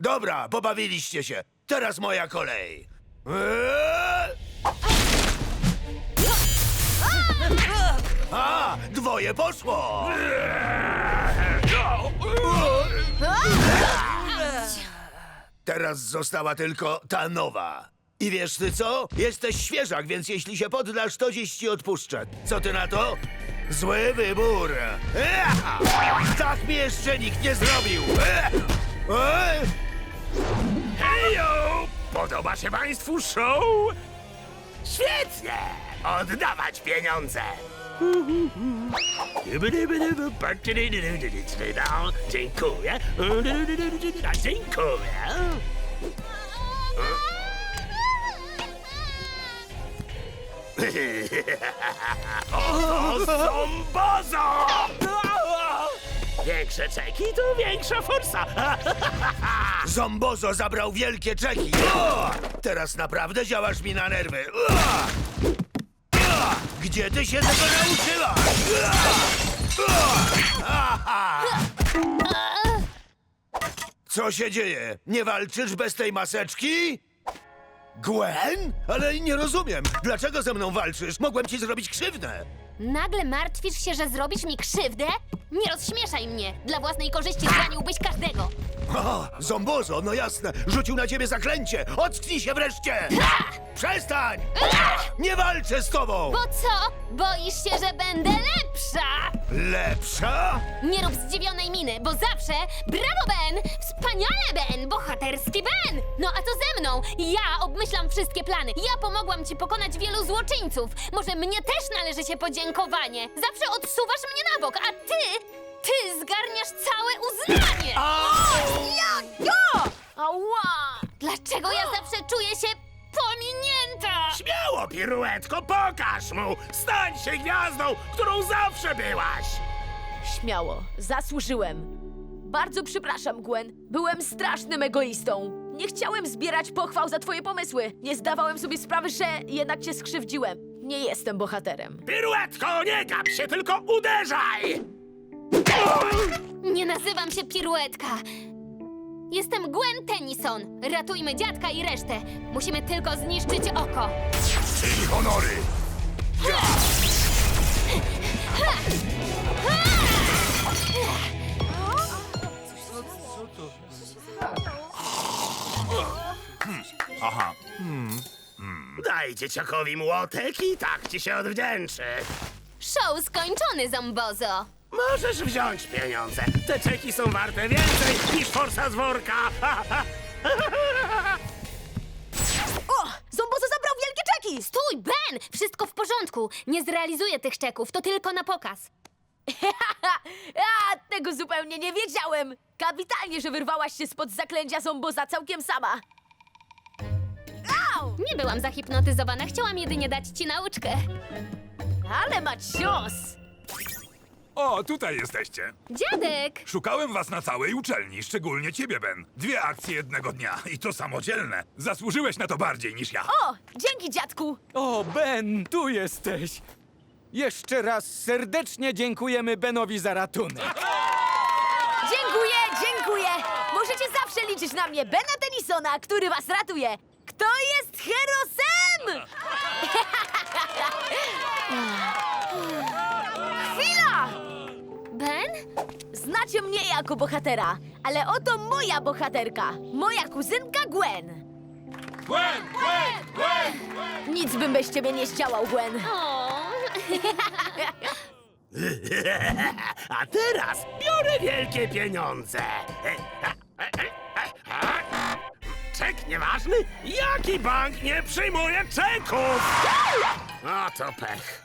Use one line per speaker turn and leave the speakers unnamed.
Dobra, pobawiliście się. Teraz moja kolej. A, dwoje poszło. Teraz została tylko ta nowa. I wiesz ty co? Jesteś świeżak, więc jeśli się poddasz, to dziś ci odpuszczę. Co ty na to? Zły wybór. Tak mi jeszcze nikt nie zrobił.
Hejo! Podoba się państwu show? Świetnie! Oddawać pieniądze! Dziękuję. Dziękuję. O, Zombozo! Większe czeki to większa forsa.
Zombozo zabrał wielkie czeki. Teraz naprawdę działasz mi na nerwy. Gdzie ty się tego nauczyłaś? Co się dzieje? Nie walczysz bez tej maseczki? Gwen? Ale nie rozumiem. Dlaczego ze mną walczysz? Mogłem ci zrobić krzywdę.
Nagle martwisz się, że zrobisz mi krzywdę? Nie rozśmieszaj mnie! Dla własnej korzyści zraniłbyś każdego!
O, Zombozo, no jasne. Rzucił na ciebie zaklęcie. Ocknij się wreszcie. Przestań! Nie walczę z tobą!
Bo co? Boisz się, że będę lepsza?
Lepsza?
Nie rób zdziwionej miny, bo zawsze brawo, Ben! Wspaniale, Ben! Bohaterski Ben! No a co ze mną? Ja obmyślam wszystkie plany. Ja pomogłam ci pokonać wielu złoczyńców. Może mnie też należy się podziękowanie. Zawsze odsuwasz mnie na bok, a ty zgarniasz całe uznanie! Ała! Dlaczego ja zawsze czuję się pominięta?
Śmiało, piruetko, pokaż mu! Stań się gwiazdą, którą zawsze byłaś!
Śmiało, zasłużyłem. Bardzo przepraszam, Gwen. Byłem strasznym egoistą. Nie chciałem zbierać pochwał za twoje pomysły. Nie zdawałem sobie sprawy, że jednak cię skrzywdziłem. Nie jestem bohaterem.
Piruetko, nie gap się, tylko uderzaj!
Nie nazywam się Piruetka. Jestem Gwen Tennyson. Ratujmy dziadka i resztę. Musimy tylko zniszczyć oko.
Czyli honory.
Daj dzieciakowi młotek i tak ci się odwdzięczy.
Show skończony, Zombozo.
Możesz wziąć pieniądze. Te czeki są warte więcej niż forsa z worka.
O! Zombozo zabrał wielkie czeki!
Stój, Ben! Wszystko w porządku. Nie zrealizuję tych czeków, to tylko na pokaz.
A, tego zupełnie nie wiedziałem! Kapitalnie, że wyrwałaś się spod zaklęcia Zomboza całkiem sama. Au!
Nie byłam zahipnotyzowana, chciałam jedynie dać ci nauczkę.
Ale ma cios!
O, tutaj jesteście.
Dziadek!
Szukałem was na całej uczelni, szczególnie ciebie, Ben. 2 akcje jednego dnia i to samodzielne. Zasłużyłeś na to bardziej niż ja.
O! Dzięki, dziadku!
O, Ben, tu jesteś! Jeszcze raz serdecznie dziękujemy Benowi za ratunek.
Dziękuję! Możecie zawsze liczyć na mnie, Bena Tennysona, który was ratuje. Kto jest herosem? Chwila!
Ben?
Znacie mnie jako bohatera, ale oto moja bohaterka. Moja kuzynka Gwen.
Gwen!
Nic bym bez ciebie nie zdziałał, Gwen.
O.
A teraz biorę wielkie pieniądze. Czek nieważny? Jaki bank nie przyjmuje czeków? O, to pech.